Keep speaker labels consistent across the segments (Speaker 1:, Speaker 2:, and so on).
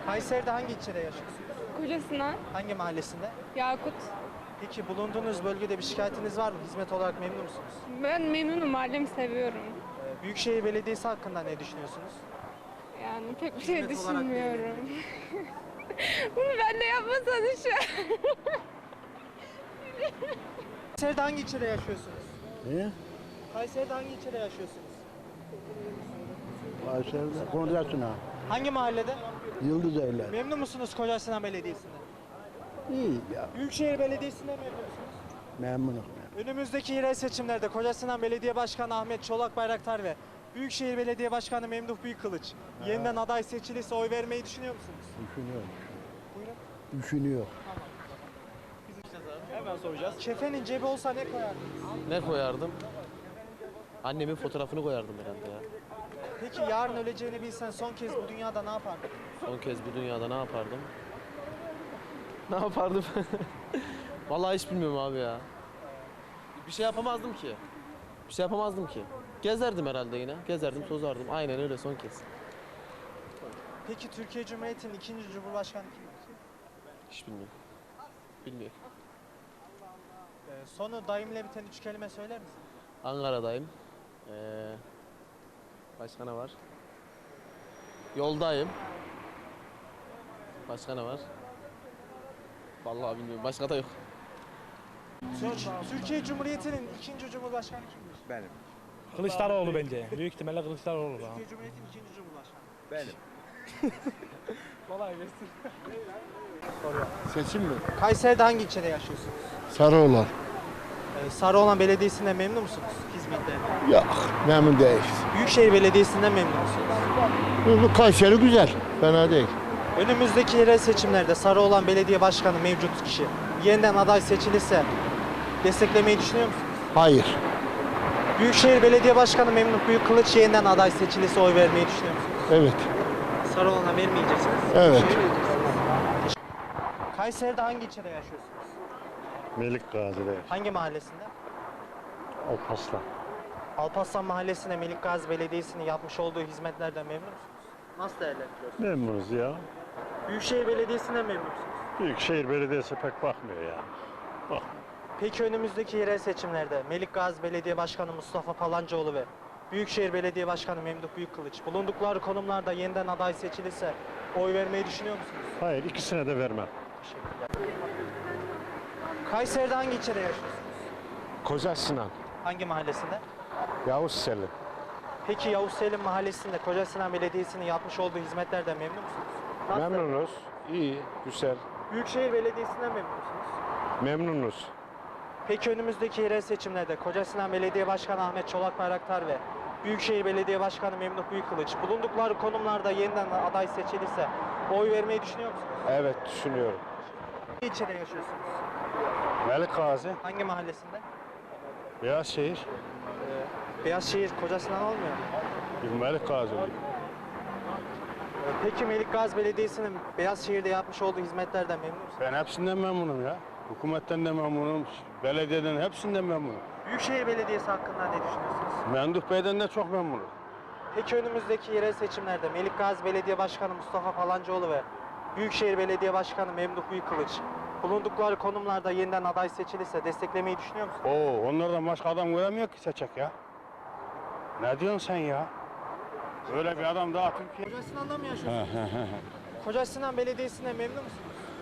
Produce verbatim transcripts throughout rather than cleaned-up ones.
Speaker 1: Kayseri'de hangi ilçede yaşıyorsunuz?
Speaker 2: Kocasinan,
Speaker 1: Hangi mahallesinde?
Speaker 2: Yakut.
Speaker 1: Peki bulunduğunuz bölgede bir şikayetiniz var mı? Hizmet olarak memnun musunuz?
Speaker 2: Ben memnunum, mahallemi seviyorum.
Speaker 1: Ee, Büyükşehir Belediyesi hakkında ne düşünüyorsunuz?
Speaker 2: Yani pek bir şey
Speaker 1: Hizmet olarak
Speaker 2: düşünmüyorum. Bunu ben de yapmasana şu an.
Speaker 1: Kayseri'de hangi ilçede yaşıyorsunuz?
Speaker 3: Niye?
Speaker 1: Kayseri'de hangi ilçede yaşıyorsunuz?
Speaker 3: Kayseri'de Konya'sına.
Speaker 1: Hangi mahallede?
Speaker 3: Yıldız Evler.
Speaker 1: Memnun musunuz Kocasinan Belediyesi'nden?
Speaker 3: İyi ya.
Speaker 1: Büyükşehir Belediyesi'nden memnun musunuz?
Speaker 3: Memnunum.
Speaker 1: Önümüzdeki yerel seçimlerde Kocasinan Belediye Başkanı Ahmet Çolak Bayraktar ve Büyükşehir Belediye Başkanı Memduh Büyükkılıç yeniden aday seçilirse oy vermeyi düşünüyor musunuz?
Speaker 3: Düşünüyorum.
Speaker 1: Buyurun.
Speaker 3: Düşünüyor.
Speaker 1: Hemen soracağız. Kefenin cebi olsa ne koyardınız?
Speaker 4: Ne koyardım? Annemin fotoğrafını koyardım herhalde ya.
Speaker 1: Peki yarın öleceğini bilsen son kez bu dünyada ne yapardın?
Speaker 4: Son kez bu dünyada ne yapardım? Ne yapardım? Vallahi hiç bilmiyorum abi ya. Bir şey yapamazdım ki. Bir şey yapamazdım ki. Gezerdim herhalde yine. Gezerdim, tozardım. Aynen öyle son kez.
Speaker 1: Peki Türkiye Cumhuriyeti'nin ikinci Cumhurbaşkanı kimdir?
Speaker 4: Hiç bilmiyorum. Bilmiyorum.
Speaker 1: Ee, sonu dayımla biten üç kelime söyler misin?
Speaker 4: Ankara'dayım. Ee, başka ne var? Yoldayım. Başka ne var? Vallahi bilmiyorum. Başka da yok.
Speaker 1: Türk- Türkiye Cumhuriyeti'nin ikinci Cumhurbaşkanı kimdir?
Speaker 5: Benim.
Speaker 6: Kılıçdaroğlu bence. Büyük ihtimalle Kılıçdaroğlu. Ha.
Speaker 1: Türkiye Cumhuriyeti'nin ikinci Cumhurbaşkanı.
Speaker 5: Benim.
Speaker 1: Kolay gelsin.
Speaker 3: Seçim mi?
Speaker 1: Kayseri'de hangi ilçede yaşıyorsunuz?
Speaker 3: Sarıoğlan.
Speaker 1: Ee, Sarıoğlan Belediyesi'nden memnun musunuz hizmetlerinden?
Speaker 3: Yok. Memnun değil.
Speaker 1: Büyükşehir Belediyesi'nden memnun musunuz?
Speaker 3: Bu, bu Kayseri güzel. Fena değil.
Speaker 1: Önümüzdeki yerel seçimlerde Sarıoğlan Belediye Başkanı mevcut kişi yeniden aday seçilirse desteklemeyi düşünüyor musunuz?
Speaker 3: Hayır.
Speaker 1: Büyükşehir Belediye Başkanı Memduh Büyükkılıç yeniden aday seçilirse oy vermeyi düşünüyor musunuz?
Speaker 3: Evet.
Speaker 1: Sarıoğlan'a vermeyeceksiniz.
Speaker 3: Evet.
Speaker 1: Büyükşehir'e vereceksiniz. Kayseri'de hangi ilçede yaşıyorsunuz?
Speaker 7: Melik Gazi'de
Speaker 1: Hangi mahallesinde?
Speaker 7: Alpaslan.
Speaker 1: Alparslan Mahallesi'nde Melik Gazi Belediyesi'nin yapmış olduğu hizmetlerden memnun musunuz? Nasıl değerlendiriyorsunuz?
Speaker 7: Memnunuz ya.
Speaker 1: Büyükşehir Belediyesi'nden memnun musunuz?
Speaker 7: Büyükşehir Belediyesi pek bakmıyor ya. Bak.
Speaker 1: Peki önümüzdeki yerel seçimlerde Melik Gazi Belediye Başkanı Mustafa Palancıoğlu ve Büyükşehir Belediye Başkanı Memduh Büyükkılıç bulundukları konumlarda yeniden aday seçilirse oy vermeyi düşünüyor musunuz?
Speaker 7: Hayır, ikisine de vermem.
Speaker 1: Teşekkürler. Kayseri'de hangi ilçede yaşıyorsunuz?
Speaker 7: Koca Sinan,
Speaker 1: Hangi mahallesinde?
Speaker 7: Yavuz Selim.
Speaker 1: Peki Yavuz Selim Mahallesi'nde Kocasinan Belediyesi'nin yapmış olduğu hizmetlerden memnun musunuz? Nasıl?
Speaker 7: Memnunuz. İyi, güzel.
Speaker 1: Büyükşehir Belediyesi'nden memnun musunuz?
Speaker 7: Memnunuz.
Speaker 1: Peki önümüzdeki yerel seçimlerde Kocasinan Belediye Başkanı Ahmet Çolak Bayraktar ve Büyükşehir Belediye Başkanı Memduh Büyükkılıç bulundukları konumlarda yeniden aday seçilirse oy vermeyi düşünüyor musunuz?
Speaker 7: Evet, düşünüyorum.
Speaker 1: Hangi ilçede yaşıyorsunuz?
Speaker 7: Melik Gazi,
Speaker 1: Hangi mahallesinde?
Speaker 7: Beyazşehir,
Speaker 1: Beyazşehir Kocasinan olmuyor mu?
Speaker 7: bir Melik Gazi oluyor.
Speaker 1: Ee, Peki Melik Gazi Belediyesi'nin Beyazşehir'de yapmış olduğu hizmetlerden memnun musunuz?
Speaker 7: Ben hepsinden memnunum ya. Hükümetten de memnunum, belediyeden hepsinden memnunum.
Speaker 1: Büyükşehir Belediyesi hakkında ne düşünüyorsunuz?
Speaker 7: Memduh Bey'den de çok memnunum.
Speaker 1: Peki önümüzdeki yerel seçimlerde Melik Gazi Belediye Başkanı Mustafa Palancıoğlu ve Büyükşehir Belediye Başkanı Memduh Büyükkılıç bulundukları konumlarda yeniden aday seçilirse desteklemeyi düşünüyor musunuz?
Speaker 7: Oo, onlardan başka adam göremiyor ki seçecek ya. Ne diyorsun sen ya? Öyle bir adam daha Türkiye...
Speaker 1: Kocasinan'da mı yaşıyorsunuz? Kocasinan Belediyesi'nden memnun musunuz?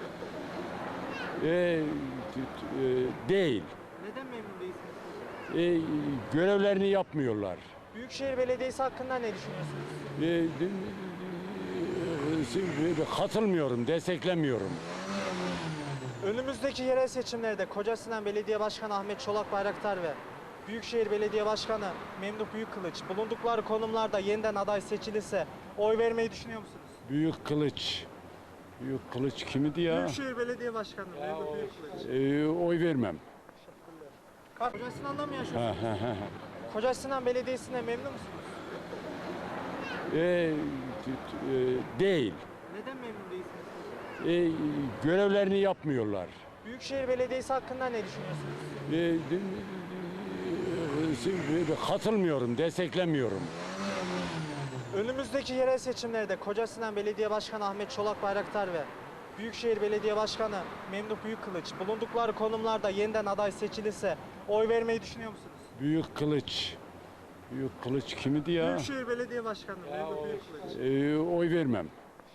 Speaker 8: Ee, t- e, değil.
Speaker 1: Neden memnun değilsiniz?
Speaker 8: Ee, görevlerini yapmıyorlar.
Speaker 1: Büyükşehir Belediyesi hakkında ne düşünüyorsunuz?
Speaker 8: Ee, d- e, katılmıyorum, desteklemiyorum.
Speaker 1: Önümüzdeki yerel seçimlerde Kocasinan Belediye Başkanı Ahmet Çolak Bayraktar ve Büyükşehir Belediye Başkanı Memduh Büyükkılıç bulundukları konumlarda yeniden aday seçilirse oy vermeyi düşünüyor musunuz?
Speaker 8: Büyük Kılıç. Büyük Kılıç kimdi ya?
Speaker 1: Büyükşehir Belediye Başkanı Memduh Büyükkılıç.
Speaker 8: Ee, oy vermem.
Speaker 1: Kocasinan'da mı yaşıyorsunuz? Kocasinan Belediyesi'nden memnun musunuz?
Speaker 8: Ee, t- e, değil.
Speaker 1: Neden memnun değilsiniz?
Speaker 8: Ee, görevlerini yapmıyorlar.
Speaker 1: Büyükşehir Belediyesi hakkında ne düşünüyorsunuz?
Speaker 8: Ee, d- e, katılmıyorum, desteklemiyorum.
Speaker 1: Önümüzdeki yerel seçimlerde Kocasinan Belediye Başkanı Ahmet Çolak Bayraktar ve Büyükşehir Belediye Başkanı Memduh Büyükkılıç bulundukları konumlarda yeniden aday seçilirse oy vermeyi düşünüyor musunuz?
Speaker 8: Büyük kılıç. Büyük kılıç kimdi ya?
Speaker 1: Büyükşehir Belediye Başkanı Memduh Büyükkılıç.
Speaker 8: Ee, oy vermem.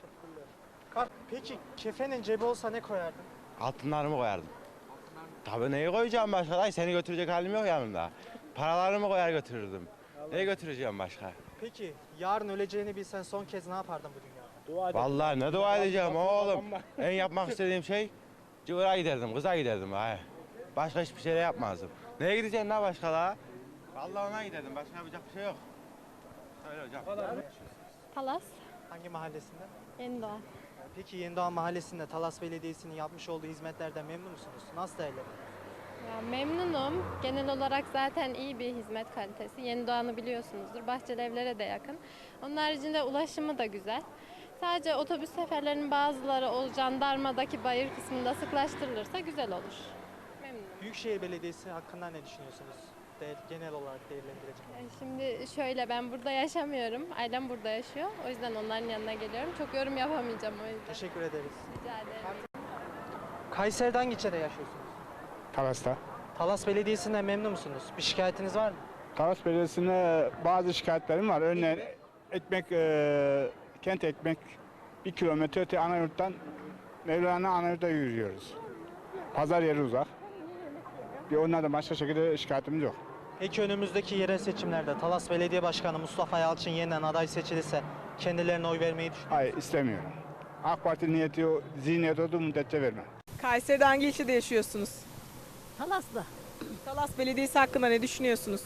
Speaker 1: Ka- Peki kefenin cebi olsa ne koyardın?
Speaker 5: Altınlarımı koyardım. Tabii neyi koyacağım başka? Ay seni götürecek halim yok yanımda. Paralarımı koyar götürürdüm. Neyi götüreceğim başka?
Speaker 1: Peki yarın öleceğini bilsen son kez ne yapardın bu dünyada?
Speaker 5: Vallahi ne dua edeceğim oğlum. En yapmak istediğim şey cıvıra giderdim, kıza giderdim. Ay. Başka hiçbir şey de yapmazdım. Neye gideceksin la başka la? Vallahi ona giderdim. Başka yapacak bir şey yok. Söyle hocam.
Speaker 2: Talas,
Speaker 1: Hangi mahallesinde?
Speaker 2: Yenidoğan.
Speaker 1: Peki Yenidoğan Mahallesi'nde Talas Belediyesi'nin yapmış olduğu hizmetlerden memnun musunuz? Nasıl değerlendiriyorsunuz?
Speaker 2: Ya memnunum. Genel olarak zaten iyi bir hizmet kalitesi. Yenidoğan'ı biliyorsunuzdur. Bahçeli Evler'e de yakın. Onun haricinde ulaşımı da güzel. Sadece otobüs seferlerinin bazıları o jandarmadaki bayır kısmında sıklaştırılırsa güzel olur. Memnunum.
Speaker 1: Büyükşehir Belediyesi hakkında ne düşünüyorsunuz? Değer, genel olarak değerlendirecek.
Speaker 2: Yani Şimdi şöyle, ben burada yaşamıyorum. Ailem burada yaşıyor. O yüzden onların yanına geliyorum. Çok yorum yapamayacağım o yüzden.
Speaker 1: Teşekkür ederiz.
Speaker 2: Rica ederim.
Speaker 1: Kayseri'de hangi ilçede yaşıyorsunuz?
Speaker 7: Talas'ta.
Speaker 1: Talas Belediyesi'nden memnun musunuz? Bir şikayetiniz var mı?
Speaker 7: Talas Belediyesi'ne bazı şikayetlerim var. Örneğin ekmek, e, kent ekmek bir kilometre öte Anayurt'tan Mevlana Anayurt'a yürüyoruz. Pazar yeri uzak. Bir onlardan başka şekilde şikayetimiz yok.
Speaker 1: Peki önümüzdeki yerel seçimlerde Talas Belediye Başkanı Mustafa Yalçın yeniden aday seçilirse kendilerine oy vermeyi düşünüyor
Speaker 7: Hayır istemiyorum. AK Parti niyeti, o- zihniyeti olduğu müddetçe vermem.
Speaker 9: Kayseri'de hangi ilçede yaşıyorsunuz?
Speaker 10: Talas'ta.
Speaker 9: Talas Belediyesi hakkında ne düşünüyorsunuz?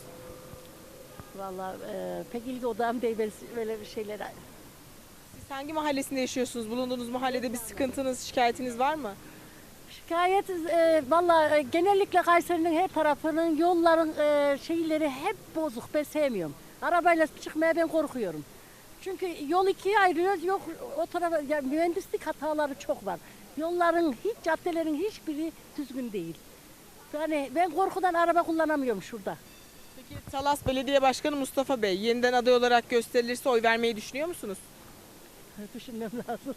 Speaker 10: Vallahi e, pek ilgi odağım değil böyle- böyle bir şeylere.
Speaker 9: Siz hangi mahallesinde yaşıyorsunuz? Bulunduğunuz mahallede bir sıkıntınız, şikayetiniz var mı?
Speaker 10: Şikayet e, vallahi e, genellikle Kayseri'nin her tarafının yolların e, şeyleri hep bozuk. Ben sevmiyorum. Arabayla çıkmaya ben korkuyorum. Çünkü yol ikiye ayırıyoruz. Yok o tarafa ya, mühendislik hataları çok var. Yolların hiç caddelerin hiçbiri düzgün değil. Yani ben korkudan araba kullanamıyorum şurada.
Speaker 9: Peki Talas Belediye Başkanı Mustafa Bey yeniden aday olarak gösterilirse oy vermeyi düşünüyor musunuz?
Speaker 10: Düşünmem lazım.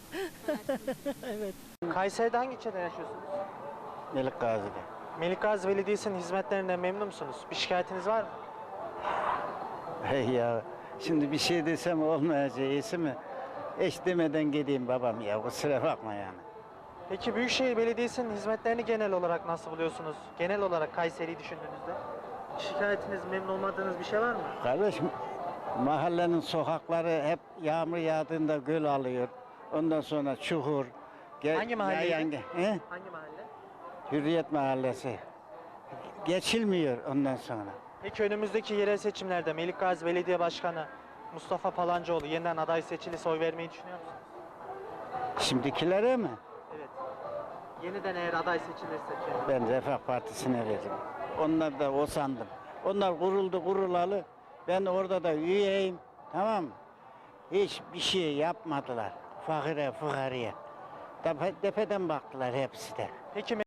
Speaker 10: Evet.
Speaker 1: Kayseri'de hangi ilçede yaşıyorsunuz?
Speaker 3: Melik Gazi'de.
Speaker 1: Melik Gazi Belediyesi'nin hizmetlerinden memnun musunuz? Bir şikayetiniz var mı?
Speaker 11: Hey ya, şimdi bir şey desem olmayacağı iyisi mi? Eş demeden gideyim babam ya, kusura bakma yani.
Speaker 1: Peki Büyükşehir Belediyesi'nin hizmetlerini genel olarak nasıl buluyorsunuz? Genel olarak Kayseri'yi düşündüğünüzde. Şikayetiniz, memnun olmadığınız bir şey var mı?
Speaker 11: Kardeşim, mahallenin sokakları hep yağmur yağdığında göl alıyor. Ondan sonra çukur. Ge-
Speaker 1: Hangi mahalleydi?
Speaker 11: yayan ge- He?
Speaker 1: Hangi mahalle?
Speaker 11: Hürriyet Mahallesi. Geçilmiyor ondan sonra.
Speaker 1: Peki önümüzdeki yerel seçimlerde Melik Gazi Belediye Başkanı Mustafa Palancıoğlu yeniden aday seçilirse oy vermeyi düşünüyor musunuz?
Speaker 11: Şimdikilere mi?
Speaker 1: Evet. Yeniden eğer aday seçilirse kendisi.
Speaker 11: Ben Refah Partisi'ne veririm. Onlar da o sandım. Onlar kuruldu kurulalı. Ben orada da üyeyim. Tamam mı? Hiçbir şey yapmadılar. Fakire, fukaraya. Tepe, tepeden baktılar hepsi de.
Speaker 1: Peki